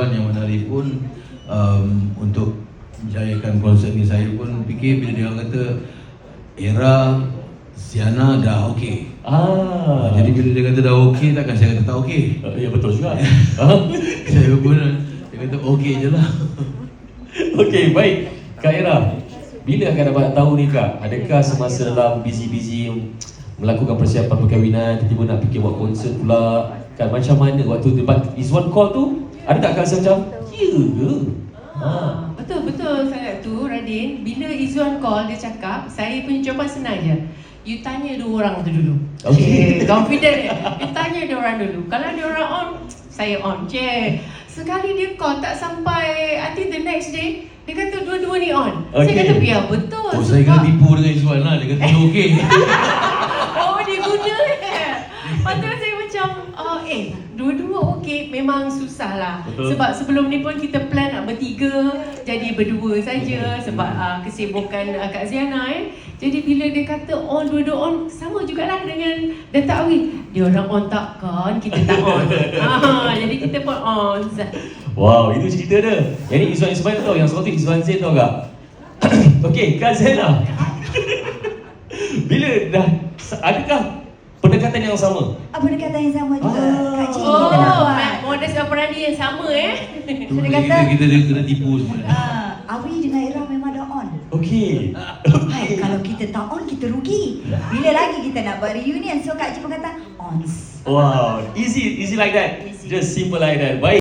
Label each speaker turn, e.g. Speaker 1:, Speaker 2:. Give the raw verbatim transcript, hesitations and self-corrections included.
Speaker 1: Izwan yang menarik pun um, untuk menjayakan konsert ni. Saya pun fikir bila dia kata era Ziana dah okey.
Speaker 2: Ah.
Speaker 1: Jadi bila dia kata dah okey, takkan saya kata tak okey.
Speaker 2: Uh, ya betul juga.
Speaker 1: Saya pun dia kata okey je lah.
Speaker 2: Okey, baik. Kak Era, bila akan dapat tahu ni Kak? Adakah semasa dalam busy-busy melakukan persiapan perkahwinan, tiba-tiba nak fikir buat konsert pula? Kan macam mana waktu debat Izwan call tu? Ada tak Kak rasa macam, ya ke? Ha.
Speaker 3: Betul, betul sangat tu Radin. Bila Izwan call, dia cakap, saya punya jawapan senang je. You tanya dua orang tu dulu.
Speaker 2: Okay.
Speaker 3: Okay, confident dia. You tanya dua orang dulu. Kalau dia orang on, saya on je. Sekali dia call tak sampai until the next day, dia kata dua-dua ni on.
Speaker 2: Okay.
Speaker 3: Saya kata, ya betul.
Speaker 1: Oh, saya kena tipu dengan Izwan lah. Dia kata dia okey.
Speaker 3: Oh, dia guna eh. Lepas tu saya macam, uh, eh, dua-dua okey, memang susah lah.
Speaker 2: Betul.
Speaker 3: Sebab sebelum ni pun kita plan nak bertiga, jadi berdua saja sebab uh, kesibukan uh, Kak Ziana eh. Jadi bila dia kata on, dua-dua on, sama jugalah dengan Datuk Awi. Dia orang on tak kan, kita tak on. Ah, jadi kita pun on.
Speaker 2: Wow, itu cerita dia. Yang ni Izwan Ismail tau, yang satu Izwan Zain tau Kak. Okey, Kak Zainah. Bila dah, adakah pendekatan yang sama?
Speaker 4: Ah, pendekatan yang sama juga.
Speaker 2: Ah.
Speaker 4: Kak Cik
Speaker 3: Oh,
Speaker 4: kita nak buat.
Speaker 3: modus operandi yang sama eh.
Speaker 1: Tu
Speaker 4: Dia
Speaker 1: dia
Speaker 4: kata-
Speaker 1: kita, kita, kita kena tipu semua.
Speaker 4: Ah, Awi dengan Era memang dah on.
Speaker 2: Okey.
Speaker 4: Hai, kalau kita tak on, kita rugi. Bila lagi kita nak buat reunion? So Kak Cik pun kata, on.
Speaker 2: Wow, easy, easy like that.
Speaker 4: Easy.
Speaker 2: Just simple like that. Baik.